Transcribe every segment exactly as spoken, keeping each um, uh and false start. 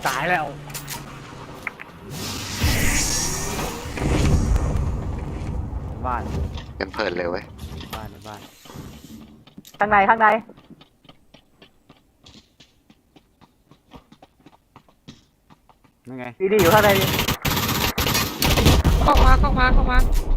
ตายแล้วบ้านกันเพลินเลยเว้ยบ้านบ้านข้างในข้างในยังไงดีดีอยู่ข้างในเข้ามาเข้ามาเข้ามา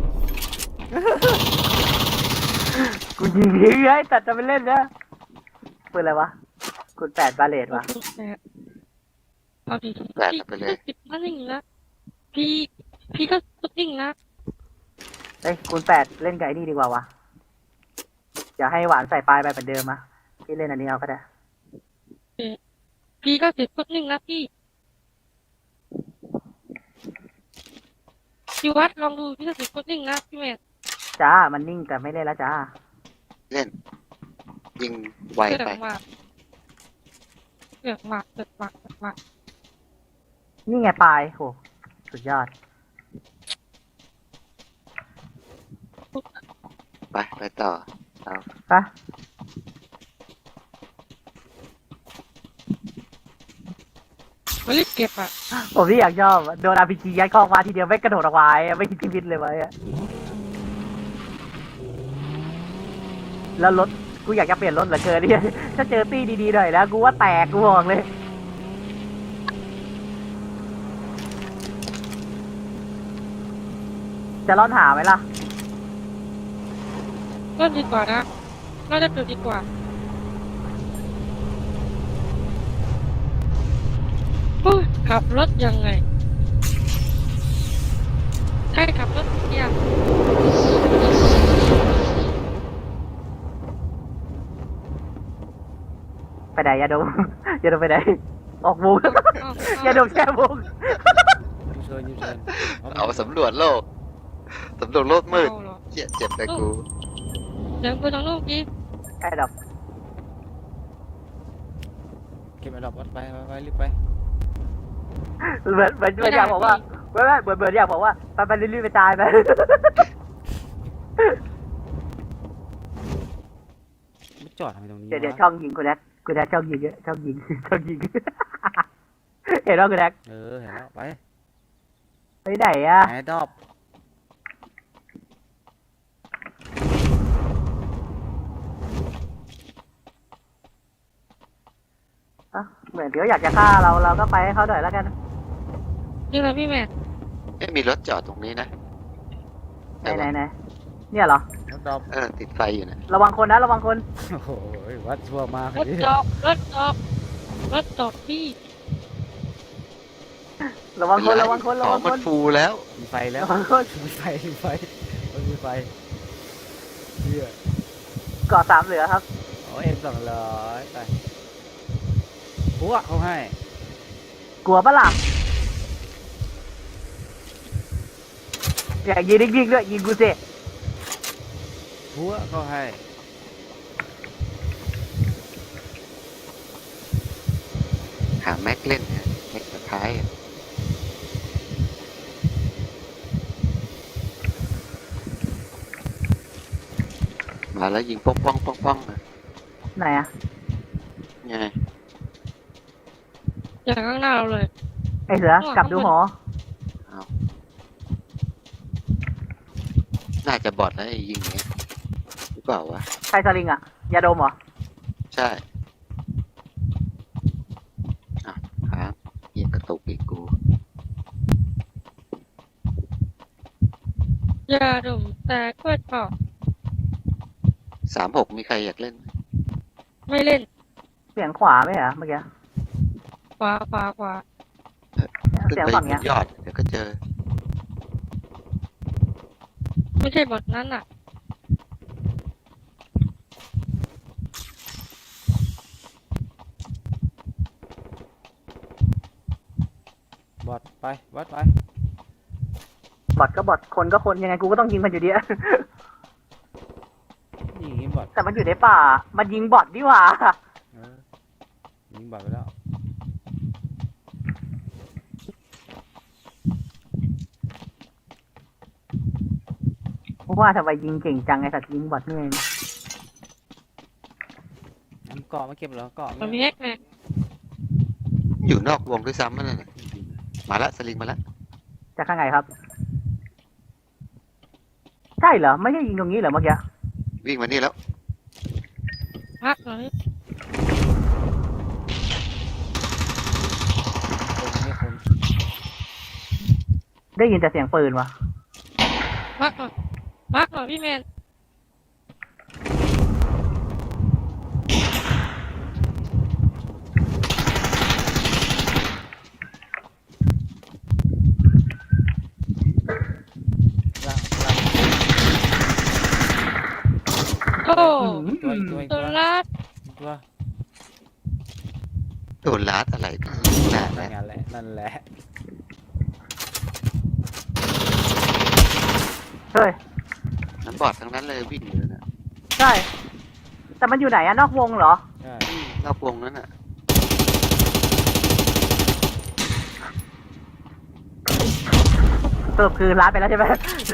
กูยิงทิ้งไอ้ตัดจะไปเล่นนะปืนอะไรวะคุณแปดบาเลตวะเอาดิแปดไปเลยพี่ก็นิ่งนะพี่พี่ก็นิ่งนะเอ้ยคุณแปดเล่นไก่นี่ดีกว่าวะอย่าให้หวานใส่ปลายไปเหมือนเดิมอะพี่เล่นอันนี้เอาก็ได้พี่ก็เสร็จก็นิ่งนะพี่พี่วัดลองดูพี่ก็เสร็จก็นิ่งนะพี่แม่จ้ามันนิ่งแต่ไม่เล่นแล้วจ้าเล่น ยิงไวเกิดไปมาเกิดมาเกิดมาเกิดมานี่ไงปลายโหสุดยอดไปไปต่อเอาปะไม่รีบเก็บอ่ะผมที่อยากชอบโดนอาร์พีจียัดเข้ามาทีเดียวไม่กระโดดออกมาไม่คิดชีวิตเลยไว้อะแล้วรถกูอยากจะเปลี่ยนรถเหลือเกินเนี่ยถ้าเจอตี้ดีๆหน่อยแล้วกูว่าแตกกูบอกเลย จะร่อนหาไหมล่ะเริ่มดีกว่านะน่าจะเกิดดีกว่าโอ้ยขับรถยังไงใครขับรถเนี่ยไปไหนยาดม ยาดมไปไหนออกวง ยาดมแช่วงยูเชิญยูเชิญเอาสำรวจโลกสำรวจโลกมืดเอาเหรอเจ็บเจ็บเลยกูเดินไปทางโลกนี้ไอ้ดอกเก็บไอ้ดอกวัดไปไปไปรีบไปเหมือนเหมือนเหมือนอยากบอกว่าไม่ไม่เหมือนเหมือนอยากบอกว่าไปไปรีบๆไปตายไปไม่จอดทำไมตรงนี้เดี๋ยวเดี๋ยววะช่องยิงคุณแดกคุณแดกช่องยิงเยอะช่องยิง ช่องยิง เห็นว่าคุณแดกเออเห็นแล้วไปไปไหนอะไอ้ดอกอ่ะเหมือนเขาอยากจะฆ่าเราเราก็ไปให้เขาหน่อยแล้วกันนี่แหละพี่แม่เอ๊ะมีรถจอดตรงนี้นะไหนไหนไหนเนี่ยเหรอรถดอกเออติดไฟอยู่นะระวังคนนะระวังคนโอ้โหวัดชั่วมากรถดิจอกรถจอกรถจอกพี่ระวังคนระวังคนขระอวังงมัคน นฟูแล้วมีไฟแล้วระวังคนมีไฟมีไฟมันมีไฟเหี้ยเกาะสามเหลือครับโอ้เอ็มสองร้อยไปปุ๊บเขาให้กลัวปะล่ะอยากยิงยิงๆด้วยยิงกูสิปุ๊บเขาให้หาแม็กเล่นนะแม็กสุดท้ายอะมาแล้วยิงป้องป้องป้องป้องนะไหนอะไงอย่างข้างหน้าเราเลยไอเสือกลับดูหอเอาน่าจะบอดแล้วไอ้ยิงอย่างเงี้ยหรือเปล่าวะใครสลิงอะยาดมเหรอใช่อ่ะครับยิงกระตุกอีกกูยาดมแต่ก็ชอบสามหกมีใครอยากเล่นไหมไม่เล่นเสียงขวาไหมเหรอเมื่อกี้ขวาขวาขวาขึ้นเสียงไปฝั่งบเนี้ยนยอด เดี๋ยวก็เจอไม่ใช่บทนั้นอ่ะบอดไปวัดไปบอดก็บอดคนก็คนยังไงกูก็ต้องยิงมันอยู่ดีอะยิงยิงบอดแต่มันอยู่ในป่า มันยิงบอดดีกว่าเออยิงบอดไปแล้วเพราะว่าทำไมยิงเก่งจังไอ้สัตว์ยิงบอดนี่เองน้ำเกาะมาเก็บเหรอเกาะมันไม่มีแฮกไงอยู่นอกวงด้วยซ้ำนั่นน่ะมาละสลิงมาละจากข้างไงครับ ใช่เหรอ ไม่ใช่ยิงตรงนี้เหรอเมื่อกี้วิ่งมานี่แล้วพักเลยคนไม่คนได้ยินแต่เสียงปืนวะพักหน่อยพักหน่อยพี่แมนล่างล่างโอ้ตัวอีกตัวอีกตัตัว วลาดอีกตัวโดนลาดอะไรพี่น่านั่นะนแหละนั่นแหละเฮ้ยน้ำบอดทั้งนั้นเลยวิ่งอยู่นะใช่ แต่มันอยู่ไหนอะนอกวงเหรอใช่รอบวงนั้นน่ะสรุปคือร้านไปแล้วใช่ไหม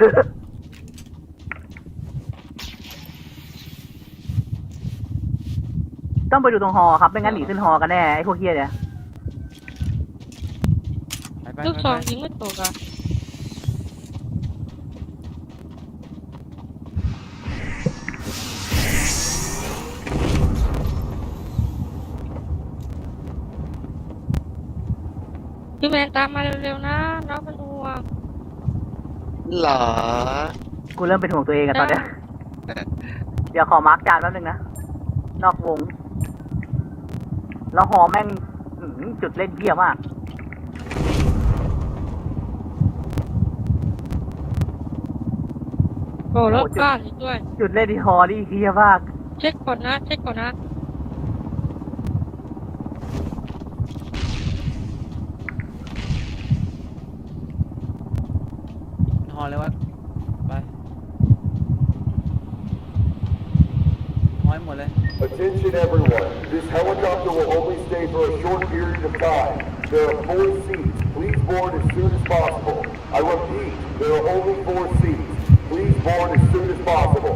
ต้องไปดูตรงฮอครับ ไม่งั้นหนีขึ้นฮอกันแน่ไอ้พวกเฮียเนี่ยไปไปลูกไปซองไปยิงไม่ตกอ่ะพี่แมนตามมาเร็วๆนะน้องเป็นห่วงหรอกูเริ่มเป็นห่วงตัวเองอะตอนเนี้ย เดี๋ยวขอมาร์กจานแป๊บนึงนะ นอกวง แล้วฮอแม่งอื้อหือจุดเล่นเฮี้ยมากโอ้รถบ้านอีกด้วยจุดเล่นที่ฮอนี่เฮี้ยมากเช็คก่อนนะเช็คก่อนนะฮอเลยวะไปฮอยหมดเลย Attention everyone, this helicopter will only stay for a short period of time. There are four seats. Please board as soon as possible. I repeat, there are only four seats. Please board as soon as possible.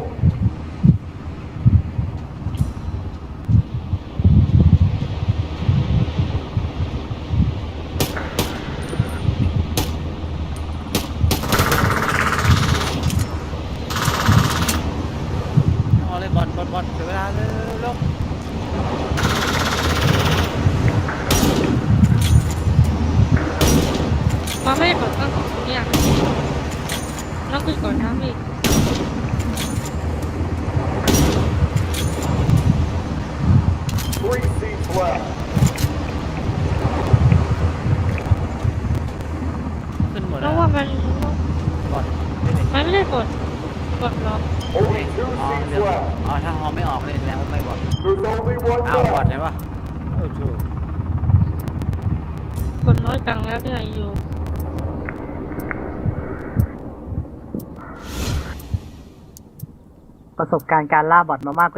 ฮอเลยบอลบอลบอลเสียเวลาเร็วเร็วมาไม่ได้กดตั้งของตรงเนี้ยต้องขึ้นก่อนนะพี่ Three seats left. ขึ้นหมดเพแล้วราะว่ามันบอลไม่ได้มันไม่ได้กดกดล็อก Only two อ๋อ seats เดี๋ยว left. อ๋อถ้าฮอไม่ออกเลยแล้วไม่บอล There's only one อ้าวบอล left. ไหนวะเออถูกกดน้อยจังแล้วเนี่ยอยู่ประสบการณ์การล่าบอทมามากกว่า